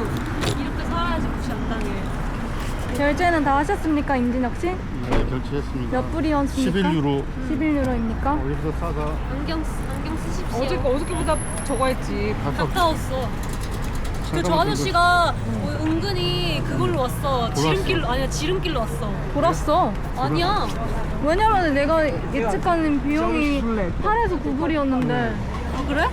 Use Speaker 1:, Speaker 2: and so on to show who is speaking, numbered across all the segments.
Speaker 1: 이렇게 살아야지 무시 안 당해.
Speaker 2: 결제는 다 하셨습니까, 임진혁 씨?
Speaker 3: 네, 결제했습니다.
Speaker 2: 몇 불이었습니까?
Speaker 3: 11유로.
Speaker 2: 11유로입니까?
Speaker 3: 여기서 싸다.
Speaker 1: 안경 쓰십시오.
Speaker 4: 어저께보다 저거 했지.
Speaker 1: 가까웠어. 그 저 아저씨가 은근히 그걸로 왔어. 지름길로 아니야 지름길로 왔어.
Speaker 2: 돌았어.
Speaker 1: 아니야.
Speaker 2: 왜냐면 내가 예측하는 비용이 8에서 9불이었는데.
Speaker 1: 아 그래?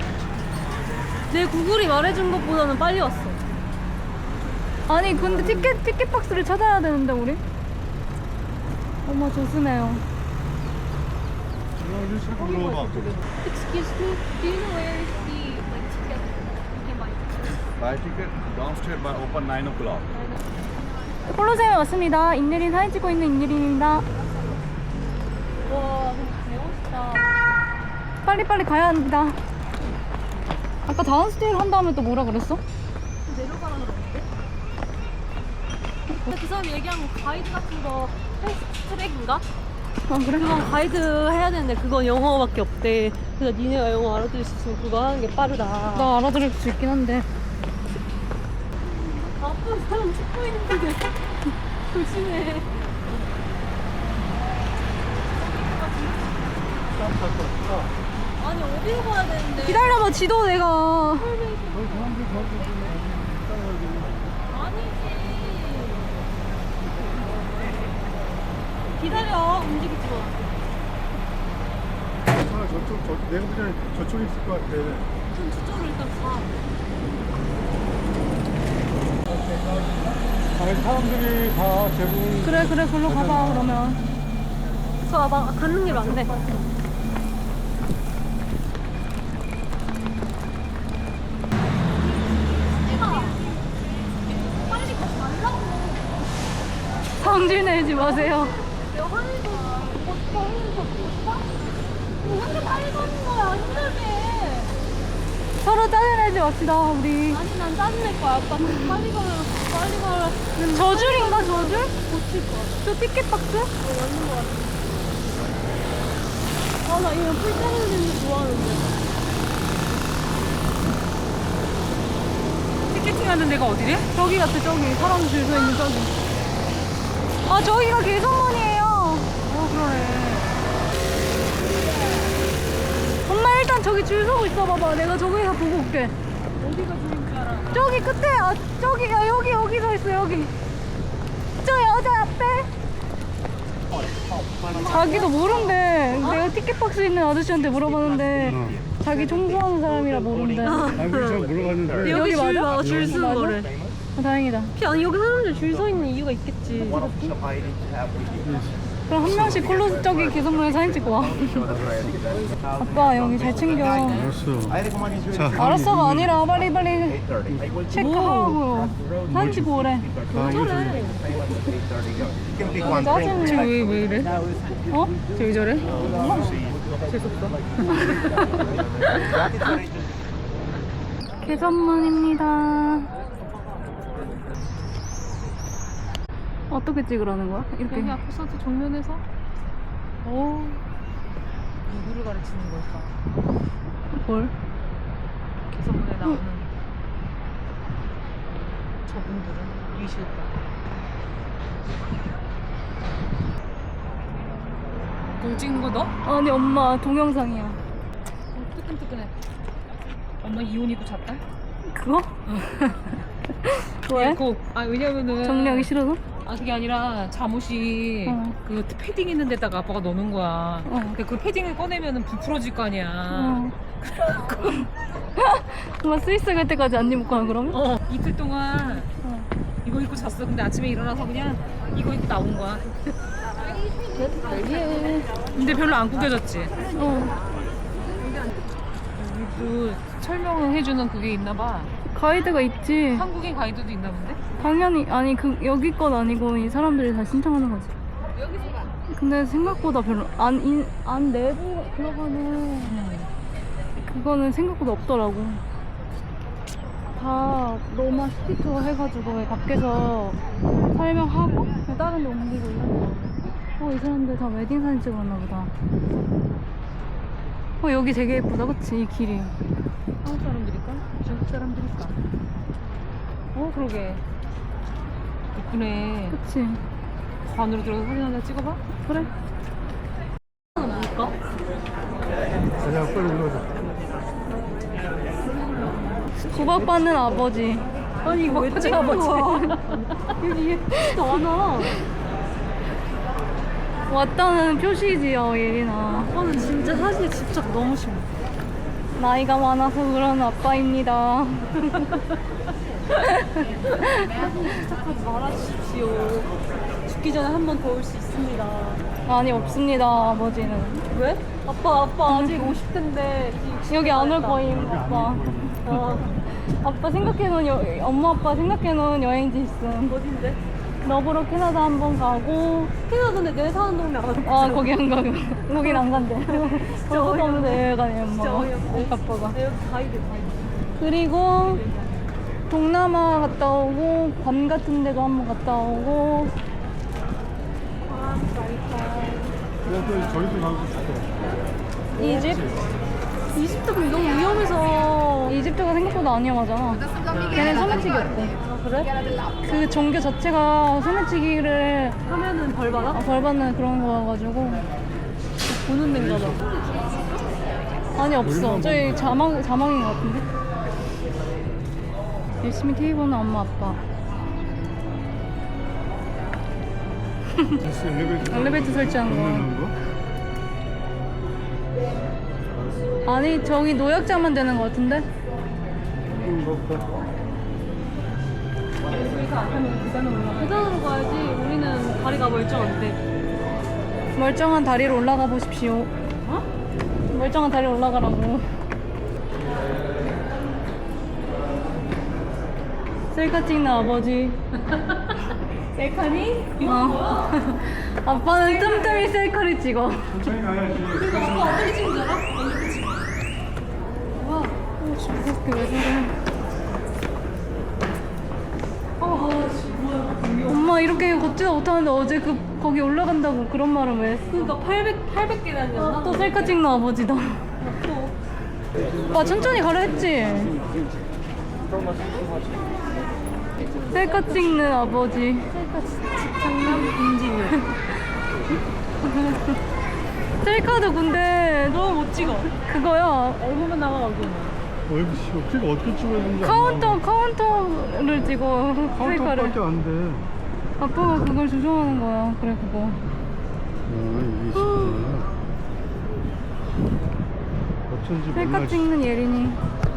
Speaker 1: 내 구글이 말해준 것보다는 빨리 왔어.
Speaker 2: 아니 근데 티켓 박스를 찾아야 되는데 우리. 어머 조심해요.
Speaker 1: Excuse me, do you know where is the like ticket? You can buy ticket.
Speaker 5: Buy ticket downstairs by open 9 o'clock.
Speaker 2: 콜로세움에 왔습니다. 인예린 사진 찍고 있는 인예린입니다.
Speaker 1: 와, 멋있다.
Speaker 2: 빨리빨리 가야 합니다. 아까 다운스테이를 한 다음에 또 뭐라 그랬어?
Speaker 1: 내려가라 그러는데? 근데 그 사람이 얘기한 거 가이드 같은 거 패스트트랙인가?
Speaker 2: 아 그래?
Speaker 1: 그건 가이드 해야 되는데 그건 영어밖에 없대. 그래서 니네가 영어 알아들을 수 있으면 그거 하는 게 빠르다.
Speaker 2: 나 알아들을 수 있긴 한데.
Speaker 1: 나쁜 사람 찍고 있는데 조심해. 아니 어디로 가야 되는데?
Speaker 2: 기다려봐 지도 내가.
Speaker 1: 아니지. 기다려. 움직이지 마.
Speaker 3: 내가 보기엔 저쪽에 있을 것 같아.
Speaker 1: 좀 저쪽으로 일단 가.
Speaker 3: 사람들이 다 대부분
Speaker 2: 그래 글로 가봐 그러면.
Speaker 1: 저 와봐. 가는 길 맞네. 빨리 가지 말라고.
Speaker 2: 성질 내지 마세요.
Speaker 1: 내가 화내서 화내서 왜 이렇게 빨리 가는 거야? 힘들게.
Speaker 2: 서로 짜증내지 맙시다 우리.
Speaker 1: 아니 난 짜증낼 거야. 아빠 빨리 가라.
Speaker 2: 저줄인가 저줄?
Speaker 1: 고칠 거야.
Speaker 2: 저 티켓 박스?
Speaker 1: 맞는 거 같아. 아, 나 이거 풀 자르는 거 좋아하는데.
Speaker 4: 티켓팅 하는 데가 어디래?
Speaker 2: 저기 같아 저기 사람 줄 서 있는 저기. 아 저기가 개선문이에요.
Speaker 4: 그러네.
Speaker 2: 엄마 일단 저기 줄 서고 있어 봐봐. 내가 저기서 보고 올게.
Speaker 1: 어디가 좋은 줄 알아?
Speaker 2: 저기 끝에 저기 여기 서 있어 여기. 저 여자 앞에. 자기도 모른대. 내가 티켓 박스 있는 아저씨한테 물어봤는데 자기 청소하는 사람이라 모른대.
Speaker 3: 아니 저 물어봤는데
Speaker 2: 여기 맞아?
Speaker 1: 줄 쓰는
Speaker 2: 맞아?
Speaker 1: 거래.
Speaker 2: 다행이다.
Speaker 1: 아니 여기 사람들 줄 서 있는 이유가 있겠지.
Speaker 2: 그럼 한 명씩 콜로 저기 개선문에 사진 찍고 와. 아빠 여기 잘 챙겨.
Speaker 3: 알았어. 자,
Speaker 2: 알았어가 아니라 빨리 체크하고 사진 찍고 오래. 짜증내.
Speaker 4: 쟤왜 이래?
Speaker 2: 어?
Speaker 4: 쟤 왜 저래?
Speaker 2: 개선문입니다. 어떻게 찍으라는 거야? 이렇게.
Speaker 4: 여기 아포사트 정면에서 오 누구를 가르치는 걸까?
Speaker 2: 뭘?
Speaker 4: 개선문에 나오는 저분들은 이실까? 그걸 찍는 거 너?
Speaker 2: 아니 엄마 동영상이야.
Speaker 4: 뜨끈뜨끈해. 엄마 이혼이고 잤다?
Speaker 2: 그거? 왜?
Speaker 4: 왜냐면은
Speaker 2: 정리하기 싫어서?
Speaker 4: 아 그게 아니라 잠옷이 그 패딩 있는 데다가 아빠가 넣는 거야. 근데 그 패딩을 꺼내면은 부풀어질 거 아니야.
Speaker 2: 엄마 스위스 갈 때까지 안 입고 가 그러면?
Speaker 4: 이틀 동안 이거 입고 잤어. 근데 아침에 일어나서 그냥 이거 입고 나온 거야. 근데 별로 안 구겨졌지. 그 설명을 해주는 그게 있나 봐.
Speaker 2: 가이드가 있지.
Speaker 4: 한국인 가이드도 있나 본데?
Speaker 2: 당연히 아니 여기 건 아니고 이 사람들이 다 신청하는 거지. 근데 생각보다 별로 안 내부 들어가는 그거는 생각보다 없더라고. 다 로마 시티 투어 해가지고 밖에서 설명하고 다른 데 옮기고 이런. 이 사람들 다 웨딩 사진 찍었나 보다. 여기 되게 예쁘다 그치 이 길이.
Speaker 4: 한국 사람들일까? 중국 사람들일까? 그러게. 이쁘네.
Speaker 2: 그치?
Speaker 4: 저 안으로 들어가서 사진 하나 찍어봐.
Speaker 2: 그래.
Speaker 1: 뭘까?
Speaker 3: 가자, 빨리 올라가자.
Speaker 2: 구박받는 아버지.
Speaker 1: 아니 이거 왜 찍는 거야? 여기 예쁘지도 않아.
Speaker 2: 왔다는 표시지요, 예린아.
Speaker 1: 아빠는 진짜 사진에 집착 너무 심해.
Speaker 2: 나이가 많아서 그런 아빠입니다.
Speaker 1: 집착하지 말아주십시오. 죽기 전에 한 번 더 올 수 있습니다.
Speaker 2: 아니, 없습니다, 아버지는.
Speaker 1: 왜? 아빠 아직 50대인데
Speaker 2: 여기 안 올 거임, 아빠. 아빠 생각해놓은, 엄마 아빠 생각해놓은 여행지 있음.
Speaker 1: 어딘데?
Speaker 2: 너브로 캐나다 한번 가고,
Speaker 1: 캐나다인데 내 사는 동네 안
Speaker 2: 아, 거기 안 가고. 거긴 안 간대. 저것도 없는데 왜 가냐,
Speaker 1: 진짜
Speaker 2: 엄마가.
Speaker 1: 어이없네.
Speaker 2: 아빠가.
Speaker 1: 여기 가이드.
Speaker 2: 그리고, 동남아 갔다 오고, 괌 같은 데도 한번 갔다 오고,
Speaker 3: 그래서 저희도 가고 싶어.
Speaker 2: 이집?
Speaker 1: 이집트 그럼 너무 위험해서.
Speaker 2: 이집트가 생각보다 안 위험하잖아. 걔는 소매치기였대.
Speaker 1: 아 그래?
Speaker 2: 그 종교 자체가 소매치기를
Speaker 1: 하면은 벌 받아?
Speaker 2: 벌 받는 그런 거여가지고.
Speaker 1: 보는 데인가 봐.
Speaker 2: 아니, 없어. 저희 자막인 것 같은데? 열심히 TV 보는 엄마, 아빠.
Speaker 3: 진짜
Speaker 2: 엘리베이터 설치한 거.
Speaker 3: 넣는 거?
Speaker 2: 아니, 저기 노약자만 되는 것 같은데?
Speaker 1: 계단으로 가야지. 우리는 다리가 멀쩡한데.
Speaker 2: 멀쩡한 다리로 올라가 보십시오.
Speaker 1: 어?
Speaker 2: 멀쩡한 다리로 올라가라고. 셀카 찍는 아버지.
Speaker 1: 셀카니?
Speaker 2: 어. 아빠는 뜸뜸이 셀카를 찍어.
Speaker 3: 천천히 가야지.
Speaker 1: 아빠 어떻게 찍는 줄 알아? 이렇게 찍어. 와.
Speaker 2: 그렇게 왜 그래? 엄마 이렇게 걷지도 못하는데 어제 거기 올라간다고 그런 말은 왜 했어?
Speaker 1: 그러니까 800계단이었나?
Speaker 2: 또 셀카 찍는 아버지다. 오빠 천천히 가라 했지? 셀카 찍는 아버지.
Speaker 1: 장남 인지면.
Speaker 2: 셀카도 근데
Speaker 1: 너무 못 찍어.
Speaker 2: 그거야.
Speaker 1: 얼굴만 나가가지고.
Speaker 3: 어떻게 어떻게 찍어야 되는지
Speaker 2: 카운터를 찍어. 셀카를.
Speaker 3: 카운터밖에 안 돼.
Speaker 2: 아빠가 그걸 조종하는 거야. 그래 그거.
Speaker 3: 이게 진짜 어쩐지
Speaker 2: 셀카
Speaker 3: 몰라.
Speaker 2: 찍는 예린이.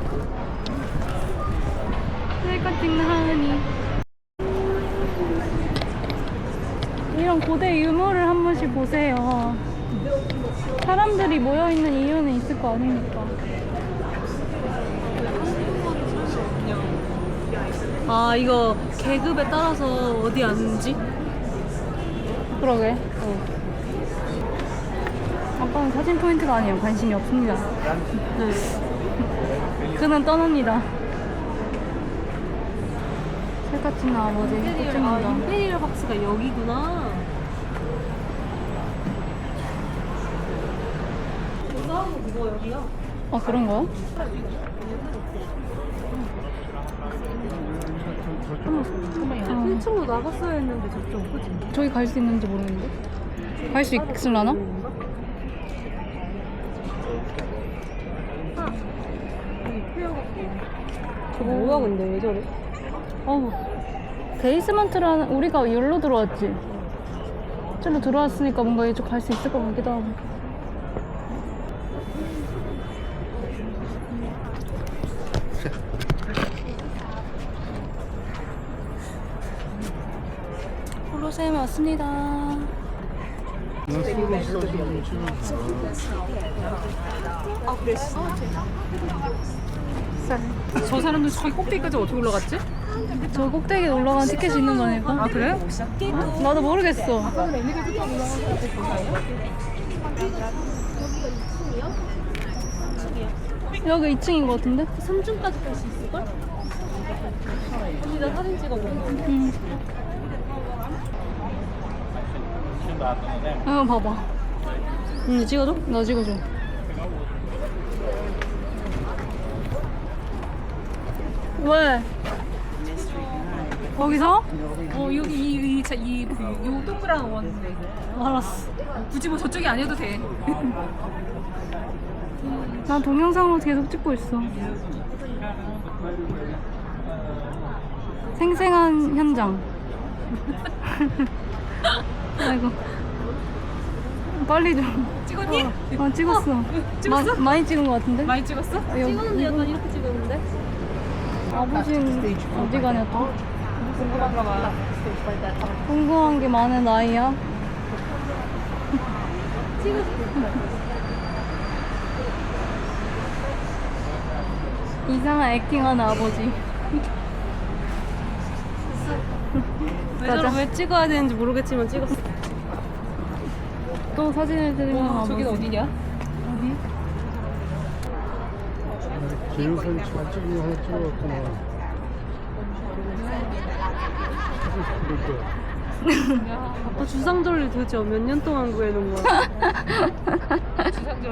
Speaker 2: 셀카 찍는 하은이. 이런 고대 유물을 한 번씩 보세요. 사람들이 모여있는 이유는 있을 거 아닙니까?
Speaker 1: 아 이거 계급에 따라서 어디 앉는지?
Speaker 2: 그러게. 아빠는 사진 포인트가 아니에요. 관심이 없습니다.
Speaker 1: 네.
Speaker 2: 그는 떠납니다. 셀카 찍는 아버지. 또
Speaker 1: 아
Speaker 2: 찍는다.
Speaker 1: 임페리얼 박스가 여기구나. 싸우고 그거 여기야.
Speaker 2: 아 그런 거야?
Speaker 1: 잠깐만요. 1층으로 나갔어야 했는데 저쪽 그지?
Speaker 2: 저기 갈 수 있는지 모르겠는데. 갈 수 있을라나?
Speaker 1: 저 뭐야 근데 왜 저래?
Speaker 2: 어우. 베이스먼트라는 우리가 여기로 들어왔지. 저로 들어왔으니까 뭔가 이쪽 갈 수 있을 것 같기도 하고. 콜로세움에 왔습니다.
Speaker 4: 저 사람들 저기 꼭대기까지 어떻게 올라갔지?
Speaker 2: 저 꼭대기에 올라가는 티켓이 있는 거니까.
Speaker 4: 아 그래?
Speaker 2: 어? 나도 모르겠어. 여기 2층인 것 같은데?
Speaker 1: 3층까지 갈 수 있을걸? 언니 나 사진 찍어볼래?
Speaker 2: 응. 봐봐.
Speaker 1: 응 찍어줘?
Speaker 2: 나 찍어줘. 왜? 거기서?
Speaker 4: 여기 요 동그란 원.
Speaker 2: 알았어.
Speaker 4: 굳이 뭐 저쪽이 아니어도 돼.
Speaker 2: 난 동영상으로 계속 찍고 있어. 생생한 현장. 아이고. 빨리 좀.
Speaker 4: 찍었니?
Speaker 2: 찍었어.
Speaker 4: 찍었어?
Speaker 2: 많이 찍은 것 같은데?
Speaker 4: 많이 찍었어?
Speaker 1: 찍었는데 약간 이렇게 찍었는데?
Speaker 2: 아버지는 어디 가냐 또?
Speaker 4: 궁금한가 봐.
Speaker 2: 궁금한 게 많은 나이야. 이상한 액팅하는 아버지.
Speaker 1: 왜 찍어야 되는지 모르겠지만 찍었어.
Speaker 2: 또 사진을 찍는 아버지.
Speaker 4: 저긴 어디냐?
Speaker 3: 기념사진 잘 찍은 거 하나 찍어갖구나. 그럴 거야.
Speaker 1: 아빠 주상절리 도대체 몇 년 동안 구해놓은 거야?
Speaker 4: 주상절리?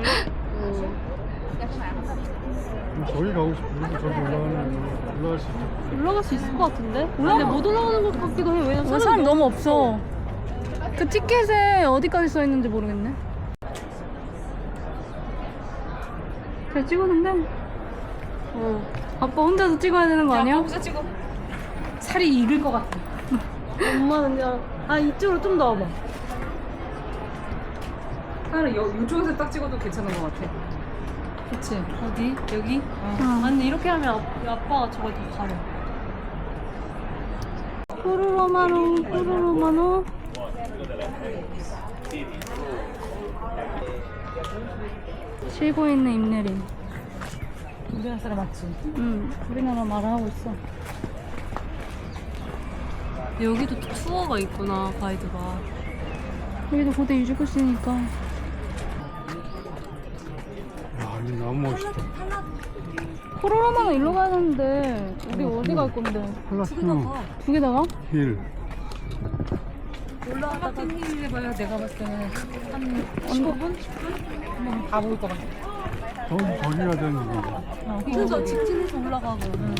Speaker 3: 저기 가고 싶어. 우리도 저기 올라갈 수 있죠.
Speaker 1: 올라갈 수 있을 것 같은데? 근데 못 올라가는 것 같기도 해. 왜냐면
Speaker 2: 사람 너무 없어. 그 티켓에 어디까지 써 있는지 모르겠네. 잘 찍었는데? 아빠 혼자서 찍어야 되는 거 아니야?
Speaker 4: 거기서 찍어. 살이 익을 것 같아.
Speaker 1: 엄마는 그냥 이쪽으로 좀 더 와봐.
Speaker 4: 하나 요쪽에서 딱 찍어도 괜찮은 것 같아.
Speaker 1: 그치? 어디? 여기?
Speaker 2: 어.
Speaker 1: 아니 이렇게 하면 아빠가 저걸 다 가려.
Speaker 2: 푸르로마노. 쉬고 있는 임내림.
Speaker 4: 우리나라 사람 맞지?
Speaker 2: 응, 우리나라 말을 하고 있어.
Speaker 1: 여기도 또 투어가 있구나, 가이드가.
Speaker 2: 여기도 고대 유지코시니까.
Speaker 3: 야, 이거 너무 멋있다.
Speaker 2: 푸르로마노 일로 가야 되는데 우리 어디 갈 건데?
Speaker 3: 팔라스티노
Speaker 2: 두 개 다가?
Speaker 3: 힐.
Speaker 4: 올라갔다 힐 해봐야 내가 봤을 때는 한 15분? 10분? 한번 가볼 것 같아.
Speaker 3: 저기 가야 되는 거야.
Speaker 1: 그래서 직진해서 올라가고.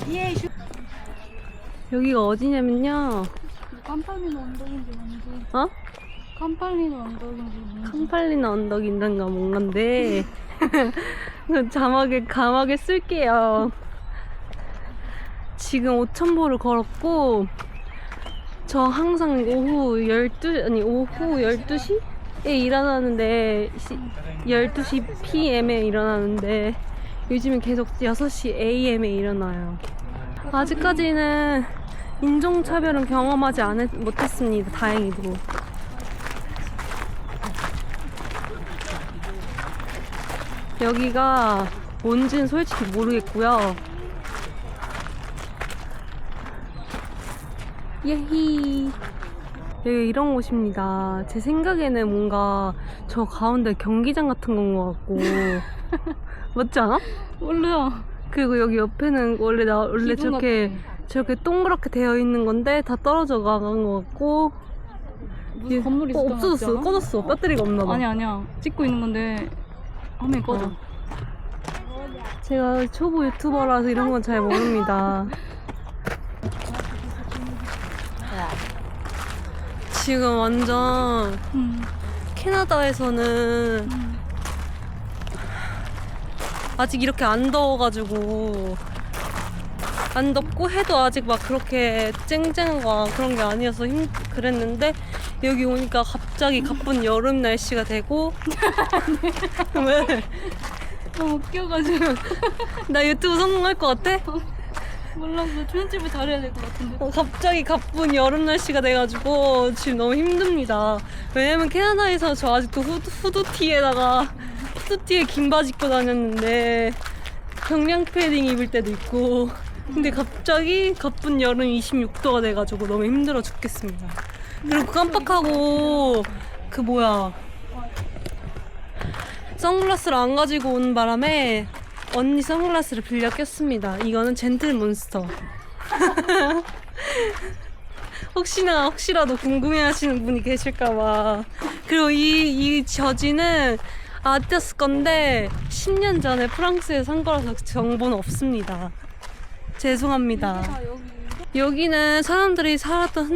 Speaker 1: 여기가 어디냐면요.
Speaker 2: 깜팔리노 언덕인지 뭔지.
Speaker 1: 어?
Speaker 2: 깜팔리노 언덕인지 뭔지.
Speaker 1: 캄팔리나 언덕인단가 뭔가인데 그 가막에 쓸게요. 지금 5,000보를 걸었고 저 항상 오후 12시에 일어나는데 12시 PM에 일어나는데 요즘은 계속 6시 AM에 일어나요. 아직까지는 인종차별은 경험하지 못했습니다. 다행히도. 여기가 뭔지는 솔직히 모르겠고요. 예히. 여기 이런 곳입니다. 제 생각에는 뭔가 저 가운데 경기장 같은 건 것 같고 맞지 않아?
Speaker 2: 몰라.
Speaker 1: 그리고 여기 옆에는 원래
Speaker 2: 기둥
Speaker 1: 저렇게 동그랗게 되어 있는 건데 다 떨어져 가는 것 같고
Speaker 2: 무슨 건물이 있었던 것 같지
Speaker 1: 없어졌어.
Speaker 2: 않아?
Speaker 1: 꺼졌어. 배터리가 없나 봐.
Speaker 2: 아니야. 찍고 있는 건데 화면이 꺼져.
Speaker 1: 제가 초보 유튜버라서 이런 건 잘 모릅니다. 지금 완전 캐나다에서는 아직 이렇게 안 더워가지고 안 덥고 해도 아직 막 그렇게 쨍쨍한 그런 게 아니어서 그랬는데 여기 오니까 갑자기 가쁜 여름 날씨가 되고 왜?
Speaker 2: 너무 웃겨가지고.
Speaker 1: 나 유튜브 성공할 것 같아?
Speaker 2: 몰랐어. 편집을 잘해야 될 것 같은데.
Speaker 1: 갑자기 가쁜 여름 날씨가 돼가지고 지금 너무 힘듭니다. 왜냐면 캐나다에서 저 아직도 후드티에 긴 바지 입고 다녔는데 경량 패딩 입을 때도 있고 근데 갑자기 가쁜 여름 26도가 돼가지고 너무 힘들어 죽겠습니다. 그리고 깜빡하고 선글라스를 안 가지고 온 바람에 언니 선글라스를 빌려 꼈습니다. 이거는 젠틀몬스터. 혹시라도 궁금해하시는 분이 계실까봐. 그리고 이 저지는 아디다스 건데 10년 전에 프랑스에서 산 거라서 정보는 없습니다. 죄송합니다. 여기는 사람들이 살았던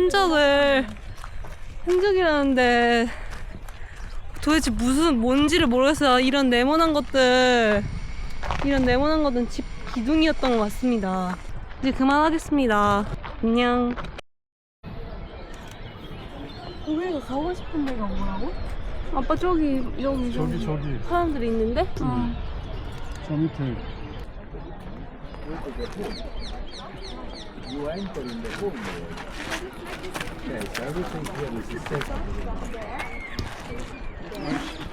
Speaker 1: 흔적이라는데 도대체 뭔지를 모르겠어요. 이런 네모난 것들은 집 기둥이었던 것 같습니다. 이제 그만하겠습니다. 안녕.
Speaker 2: 우리가 가고 싶은 데가 뭐라고? 아빠 저기
Speaker 3: 저기
Speaker 1: 사람들이 있는데?
Speaker 3: 저 밑에
Speaker 5: You enter in the home. Yes, everything here is safe.